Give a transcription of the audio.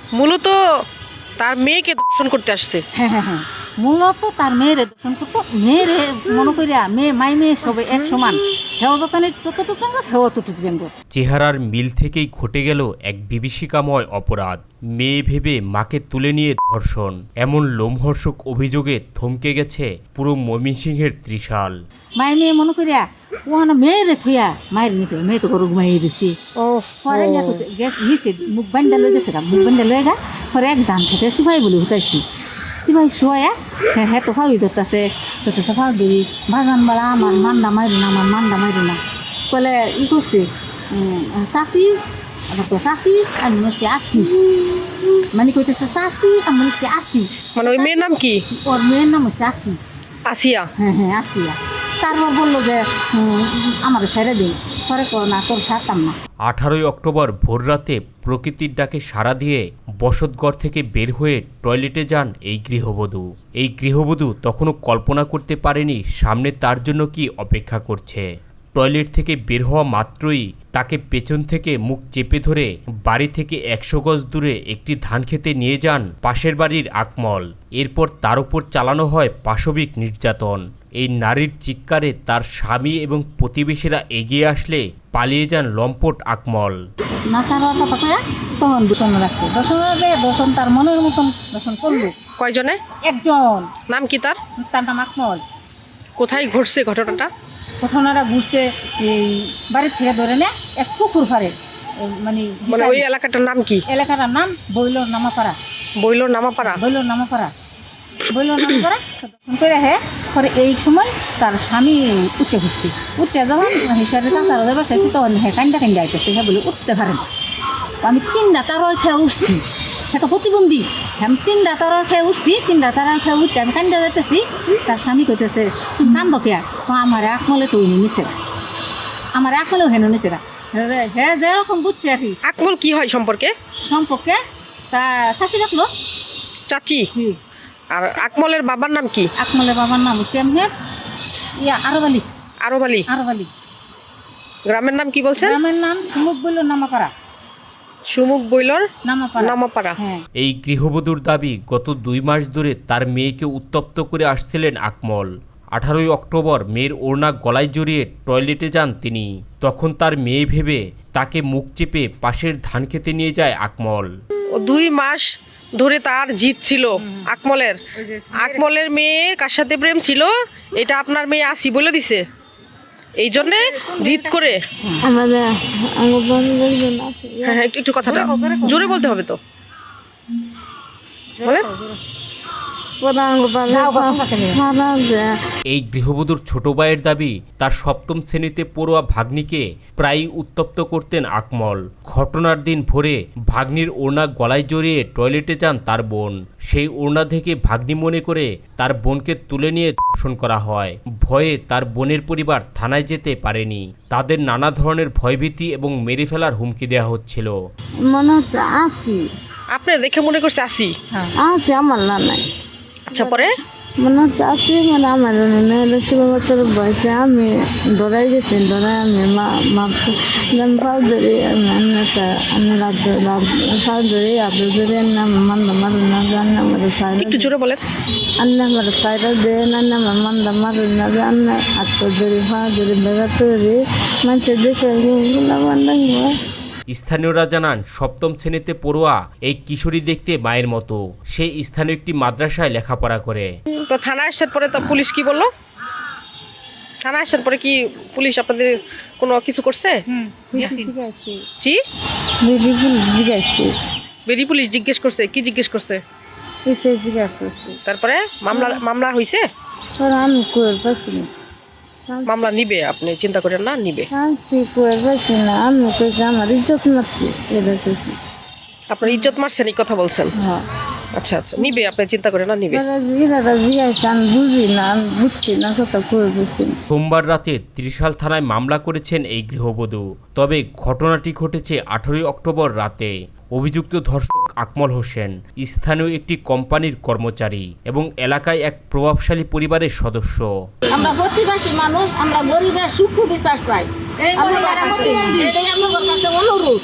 মূলত তার মেয়েকে দর্শন করতে আসছে। হ্যাঁ হ্যাঁ হ্যাঁ, মূলত তার মেয়েরে দর্শন করতো। মেয়েরে মনে করিয়া মাই মেয়ে সবে এক সমান, হেও যতনে ততটুক ডাঙ্গর, হেও ততটুক ডাঙ্গর। চেহারার মিল থেকেই ঘটে গেল এক বিভীষিকাময় অপরাধ। মেয়ে ভেবে মাকে তুলে নিয়ে ধর্ষণ, এমন লোমহর্ষক অভিযোগে থমকে গেছে পুরো ময়মনসিংহের ত্রিশাল। মাই মেয়ে মনে করিয়া ওখানে মেয়েরে থইয়া মায়ের নিছে, মেয়ে তো গরু ঘুমাই দিছি। ও পরে গেছে মুখ বান্ধা লই গেছে, মুখ বান্ধা লই গা পরে এক ধান খেতে সিপাই বলে উঠাইছি। সিপাই শোয়া হ্যাঁ হ্যাঁ তো ফাউই ধরতেছে, ফাউ দিই বাগান বেলা আমার মান্ডা মাইরু না, আমার মান্ডা মাইরু না বলে ই করছে। চাষি আবার তো চাষি আমি হচ্ছে আসি, মানে কইতেছে চাষি আমি হচ্ছে আসি। মানে ওই মেয়ের নাম কি? ওর মেয়ের নাম হচ্ছে আসি। আসিয়া। হ্যাঁ হ্যাঁ আসিয়া। তারপর বললো যে আমার ছেড়ে দিন, পরে করো না, তোর ছাড়তাম না। 18 অক্টোবর ভোররাতে প্রকৃতির ডাকে সাড়া দিয়ে বসতঘর থেকে বের হয়ে টয়লেটে যান এই গৃহবধূ। এই গৃহবধূ তখনও কল্পনা করতে পারেনি সামনে তার জন্য কি অপেক্ষা করছে। টয়লেট থেকে বের হওয়া মাত্রই তাকে পেছন থেকে মুখ চেপে ধরে বাড়ি থেকে 100 গজ দূরে একটি ধান খেতে নিয়ে যান পাশের বাড়ির আকমল। এরপর তার উপর চালানো হয় পাশবিক নির্যাতন। এই নারীর চিৎকারে তার স্বামী এবং প্রতিবেশীরা এগিয়ে আসলে পালিয়ে যান লম্পট আকমল। নাসার কথা কয়া তখন দূষণ রাখছে, দর্শন তার মনের মতন দর্শন করলো। কয়জনে? একজন। নাম কি তার? তার নাম আকমল। কোথায় ঘটছে ঘটনাটা? ঘটনাটা ঘুরছে এই বাড়ির থেকে ধরে নে এক পুকুর ফারে, মানে মানে ওই এলাকাটার নাম কি? এলাকাটার নাম বইলোর নামাপাড়া। বইলোর নামাপাড়া। বইলোর নামাপাড়া, বইলোর নামাপাড়া। দর্শন করে হে পরে এই সময় তার স্বামী উঠতে খুঁজছি, উঠতে যখন হিসাবে কাঁচার যাবার চাইছি তখন হ্যাঁ কান্দা কান্দা আইতেছে, হ্যাঁ বলে উঠতে পারেন। আমি 3টা তারার খেয়ে উঠছি, হ্যাঁ তো প্রতিবন্ধী, আমি 3টা তারার খেয়ে উঠছি, 3টা তারার খেয়ে উঠতে আমি কান্দা যাইতেছি। তার স্বামী কইতেছে তুমি কান্দ কেয়া? আমার আকমলে তো নিছে, আমার আকমলেও হেন নিছে গা। হ্যাঁ যেরকম বুঝছে আর কি। আকমল কি হয় সম্পর্কে? সম্পর্কে তা শাশি রাখলো চাচি। কি। আর আকমলের বাবার নাম কি? আকমলের বাবার নাম হচ্ছে এমনের আরব আলী। আরব আলী। আরব আলী। গ্রামের নাম কি বলছেন? গ্রামের নাম সুমুক বইল নামাপাড়া। সুমুক বইলর নামাপাড়া। নামাপাড়া। হ্যাঁ। এই গৃহবধূর দাবি গত 2 মাস ধরে তার মেয়েকে উত্তপ্ত করে আসছিলেন আকমল। 18 অক্টোবর মেয়ের ওড়না গলায় জড়িয়ে টয়লেটে যান তিনি। তখন তার মেয়ে ভেবে তাকে মুখ চেপে পাশের ধান খেতে নিয়ে যায় আকমল। ও 2 মাস ধরে তার জিত ছিল আকমলের। আকমলের মেয়ে কার সাথে প্রেম ছিল এটা আপনার মেয়ে আসি বলে দিছে, এই জন্যে জিত করে। হ্যাঁ হ্যাঁ একটু কথাটা জোরে বলতে হবে তো, বলেন। এই গৃহবধূর ছোট ভাইয়ের দাবি তার 7ম শ্রেণীতে পড়ুয়া ভাগ্নিকে প্রায়ই উত্তপ্ত করতেন আকমল। ঘটনার দিন ভোরে ভাগ্নির ওড়না গলায় জড়িয়ে টয়লেটে যান তার বোন। সেই ওড়না থেকে ভাগ্নি মনে করে তার বোনকে তুলে নিয়ে ধর্ষণ করা হয়। ভয়ে তার বোনের পরিবার থানায় যেতে পারেনি। তাদের নানা ধরনের ভয়ভীতি এবং মেরে ফেলার হুমকি দেওয়া হচ্ছিল। মনে হচ্ছে আসি, আপনার দেখে মনে করছে আসি। আসি আমার না নাই। আচ্ছা পরে মনে হচ্ছে আসি, মানে আমার মেয়েদের শিবতর বয়সে আমি দৌড়াই গেছি, দৌড়াই আমি মাপছি ফাউ ধরি আমি ফাউ ধরি আদর ধরি নাম মান্দা মারু না জানি আমার সাইড একটু জোরে বলেন। আন্না আমার সাইডে দিয়ে না আমার মান্দা মারু না জানি আত্ম ধরি ফাউ ধরি বেগা তৈরি মানুষের দেখে মান্দা। স্থানীয়রা জানান 7ম শ্রেণীতে পড়ুয়া এই কিশোরী দেখতে মায়ের মতো। সে স্থানীয় একটি মাদ্রাসায় লেখাপড়া করে। তো থানায় আসার পরে তো পুলিশ কি বললো? থানায় আসার পরে কি পুলিশ আপনাদের কোনো কিছু করছে? জি বেরি পুলিশ জিজ্ঞেস করছে? কি জিজ্ঞেস করছে? তারপরে মামলা হয়েছে? আমি কই পাচ্ছি না, মামলা নিবে, আপনি চিন্তা করেন না, নিবে। কই পাচ্ছি না, আমি কইছি আমার ইজ্জত মারছি, এটা কইছি। আপনার ইজ্জত মারছেন এই কথা বলছেন? হ্যাঁ। আচ্ছা আচ্ছা নিবে, আপনি চিন্তা করেন না, নিবে। আমি বুঝি না, আমি বুঝছি না কথা কই বলছি। সোমবার রাতে ত্রিশাল থানায় মামলা করেছেন এই গৃহবধূ। তবে ঘটনাটি ঘটেছে 18 অক্টোবর রাতে। অভিযুক্ত ধর্ষক আকমল হোসেন স্থানীয় একটি কোম্পানির কর্মচারী এবং এলাকায় এক প্রভাবশালী পরিবারের সদস্য। আমরা প্রতিবাসী মানুষ, আমরা গরিবের সুখ বিচার চাই। এটাই আমাদের কাছে অনুরোধ।